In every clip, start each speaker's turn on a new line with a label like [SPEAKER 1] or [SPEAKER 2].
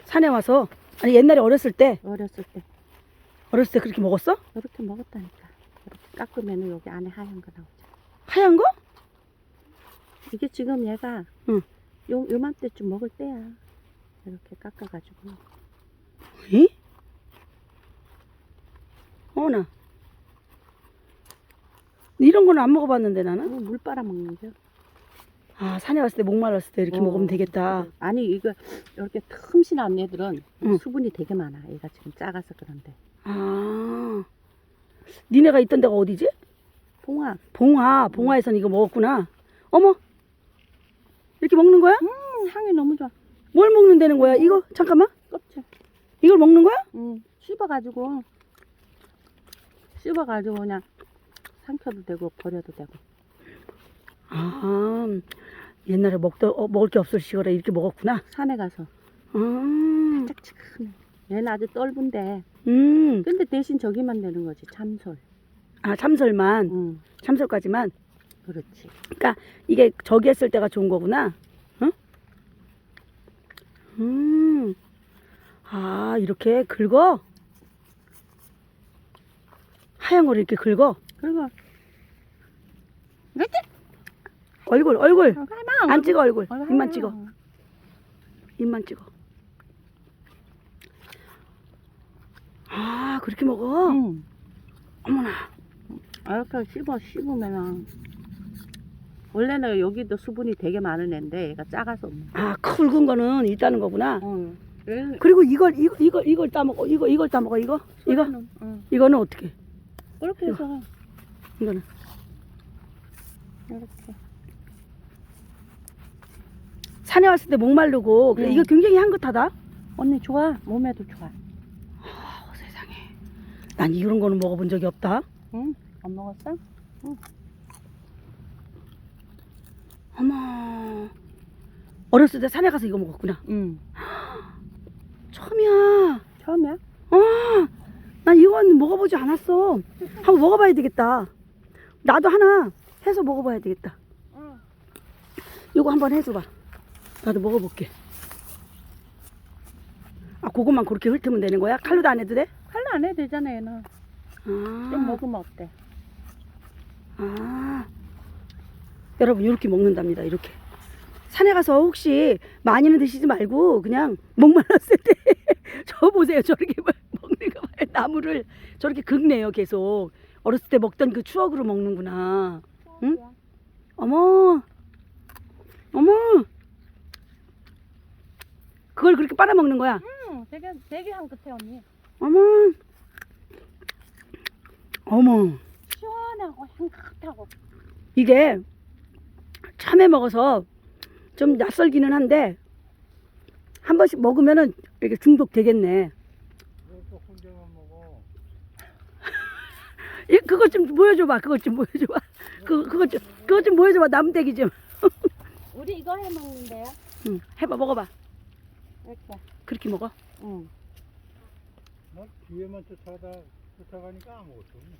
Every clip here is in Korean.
[SPEAKER 1] 산에 와서. 아니 옛날에 어렸을 때
[SPEAKER 2] 어렸을 때
[SPEAKER 1] 그렇게 먹었어?
[SPEAKER 2] 이렇게 먹었다니까. 이렇게 깎으면 여기 안에 하얀 거 나오죠.
[SPEAKER 1] 하얀 거?
[SPEAKER 2] 이게 지금 얘가
[SPEAKER 1] 응.
[SPEAKER 2] 요맘때쯤 먹을 때야. 이렇게 깎아가지고.
[SPEAKER 1] 이? 어머나. 이런 거는 안 먹어봤는데 나는.
[SPEAKER 2] 물 빨아 먹는 거.
[SPEAKER 1] 아 산에 왔을 때 목말랐을 때 이렇게 먹으면 되겠다.
[SPEAKER 2] 아니 이거 이렇게 틈신한 애들은
[SPEAKER 1] 응.
[SPEAKER 2] 수분이 되게 많아. 얘가 지금 작아서 그런데.
[SPEAKER 1] 아 니네가 있던 데가 어디지?
[SPEAKER 2] 봉화.
[SPEAKER 1] 봉화에선 이거 먹었구나. 어머 이렇게 먹는 거야?
[SPEAKER 2] 향이 너무 좋아.
[SPEAKER 1] 뭘 먹는 데는 거야? 이거 잠깐만.
[SPEAKER 2] 껍질.
[SPEAKER 1] 이걸 먹는 거야?
[SPEAKER 2] 씹어가지고 그냥 삼켜도 되고 버려도 되고.
[SPEAKER 1] 아 옛날에 먹을 게 없을 시절에 이렇게 먹었구나.
[SPEAKER 2] 산에 가서
[SPEAKER 1] 아,
[SPEAKER 2] 짝짝하네. 얘는 아주 떫은데 근데 대신 저기만 되는 거지. 참솔.
[SPEAKER 1] 아 참설만. 참설까지만.
[SPEAKER 2] 그렇지.
[SPEAKER 1] 그러니까 이게 저기 했을 때가 좋은 거구나. 응? 아 이렇게 긁어? 하얀 거를 이렇게 긁어?
[SPEAKER 2] 그리고
[SPEAKER 1] 얼굴 안 찍어. 얼굴 입만 찍어. 입만 찍어. 아 그렇게 먹어? 어머나.
[SPEAKER 2] 이렇게 씹으면은 원래는 여기도 수분이 되게 많은 애인데 얘가 작아서 없네.
[SPEAKER 1] 아 굵은 거는 있다는 거구나.
[SPEAKER 2] 얘는
[SPEAKER 1] 그리고 이걸 따먹어. 이걸 따먹어. 이거? 이거는 어떻게?
[SPEAKER 2] 이렇게 해서
[SPEAKER 1] 이거는
[SPEAKER 2] 이렇게.
[SPEAKER 1] 산에 왔을 때 목마르고 그래, 이거 굉장히 향긋하다.
[SPEAKER 2] 언니 좋아. 몸에도 좋아.
[SPEAKER 1] 세상에. 난 이런 거는 먹어본 적이 없다.
[SPEAKER 2] 응? 안 먹었어?
[SPEAKER 1] 어머. 어렸을 때 산에 가서 이거 먹었구나.
[SPEAKER 2] 응.
[SPEAKER 1] 처음이야.
[SPEAKER 2] 처음이야?
[SPEAKER 1] 난 이건 먹어보지 않았어. 한번 먹어봐야 되겠다. 나도 하나 해서 먹어봐야 되겠다. 이거 한번 해줘봐. 나도 먹어볼게. 아, 그것만 그렇게 훑으면 되는 거야? 칼로도 안 해도 돼?
[SPEAKER 2] 칼로 안 해도 되잖아 얘는. 좀 먹으면 어때?
[SPEAKER 1] 여러분 이렇게 먹는답니다. 이렇게. 산에 가서 혹시 많이는 드시지 말고 그냥 목말랐을 때 저 보세요. 저렇게 먹는 거 봐요. 나무를 저렇게 긁네요. 계속. 어렸을 때 먹던 그 추억으로 먹는구나. 응? 어머. 그걸 그렇게 빨아먹는 거야?
[SPEAKER 2] 되게 향긋해 언니.
[SPEAKER 1] 어머.
[SPEAKER 2] 시원하고 향긋하고.
[SPEAKER 1] 이게 처음에 먹어서 좀 낯설기는 한데 한 번씩 먹으면은 이렇게 중독 되겠네.
[SPEAKER 3] 혼자만 먹어.
[SPEAKER 1] 그것 좀 보여줘봐. 그것 좀 보여줘봐. 나무대기 좀.
[SPEAKER 2] 우리 이거 해 먹는데요?
[SPEAKER 1] 응, 해봐. 먹어봐.
[SPEAKER 2] 이렇게.
[SPEAKER 1] 그렇게 먹어?
[SPEAKER 2] 응.
[SPEAKER 3] 나 뒤에만 쫓아가니까 아무것도 없네.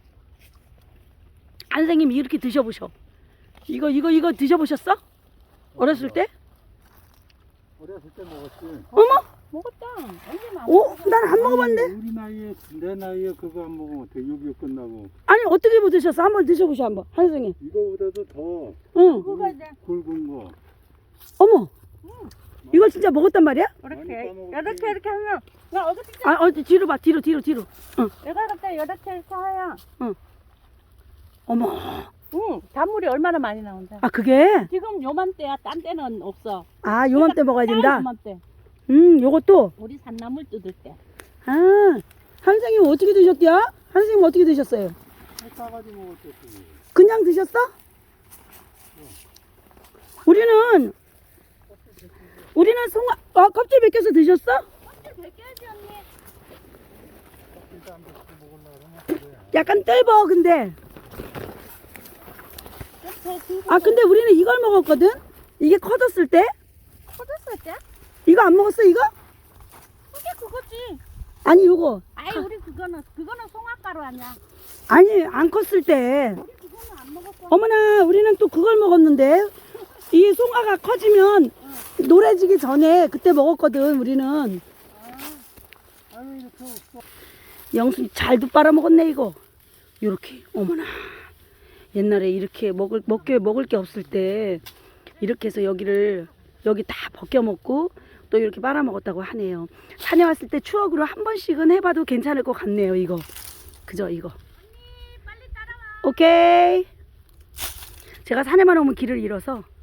[SPEAKER 1] 선생님이 이렇게 드셔보셔. 이거 드셔보셨어? 어렸을 때?
[SPEAKER 3] 어렸을 때 먹었지.
[SPEAKER 1] 어머?
[SPEAKER 2] 먹었다. 언제나.
[SPEAKER 1] 난 안 먹어봤는데?
[SPEAKER 3] 우리 나이에, 내 나이에 그거 안 먹으면 어때? 6.25 끝나고.
[SPEAKER 1] 아니 어떻게 드셨어? 한번 드셔보셔 한번. 선생님.
[SPEAKER 3] 이거보다도 더
[SPEAKER 1] 응.
[SPEAKER 2] 그거 이제
[SPEAKER 3] 굵은 거.
[SPEAKER 1] 어머. 이걸 진짜 먹었단 말이야?
[SPEAKER 2] 이렇게
[SPEAKER 3] 까먹었지.
[SPEAKER 2] 이렇게 하면 나 어떻게
[SPEAKER 1] 뒤로 봐. 뒤로. 응.
[SPEAKER 2] 내가 그때 이렇게 해서 하야.
[SPEAKER 1] 어머.
[SPEAKER 2] 응. 단물이 얼마나 많이 나온다.
[SPEAKER 1] 아 그게?
[SPEAKER 2] 지금 요맘때야. 딴 때는 없어.
[SPEAKER 1] 아 요맘때 먹어야 된다?
[SPEAKER 2] 요맘때.
[SPEAKER 1] 요것도?
[SPEAKER 2] 우리 산나물 뜯을 때.
[SPEAKER 1] 아 선생님 어떻게 드셨대요? 선생님 어떻게 드셨어요?
[SPEAKER 3] 싸가지고 먹었지.
[SPEAKER 1] 그냥 드셨어? 우리는 껍질 벗겨서 드셨어?
[SPEAKER 2] 껍질 벗겨야지 언니.
[SPEAKER 3] 일단 안 먹고 먹으려고 그러면 그래.
[SPEAKER 1] 약간 떫어 근데. 근데 우리는 이걸 먹었거든? 이게 커졌을 때?
[SPEAKER 2] 커졌을 때?
[SPEAKER 1] 이거 안 먹었어 이거?
[SPEAKER 2] 그게 그거지.
[SPEAKER 1] 아니 요거.
[SPEAKER 2] 아이 우리 그거는 송화가루 아니야.
[SPEAKER 1] 아니 안 컸을 때.
[SPEAKER 2] 우리 그거는 안 먹었고.
[SPEAKER 1] 어머나 우리는 또 그걸 먹었는데 이 송아가 커지면 노래지기 전에 그때 먹었거든 우리는.
[SPEAKER 3] 아유 이렇게 없어.
[SPEAKER 1] 영순이 잘도 빨아먹었네 이거. 요렇게 어머나. 옛날에 이렇게 먹을 게 없을 때 이렇게 해서 여기 다 벗겨 먹고 또 이렇게 빨아먹었다고 하네요. 산에 왔을 때 추억으로 한 번씩은 해봐도 괜찮을 것 같네요 이거. 그죠 이거. 오케이. 제가 산에만 오면 길을 잃어서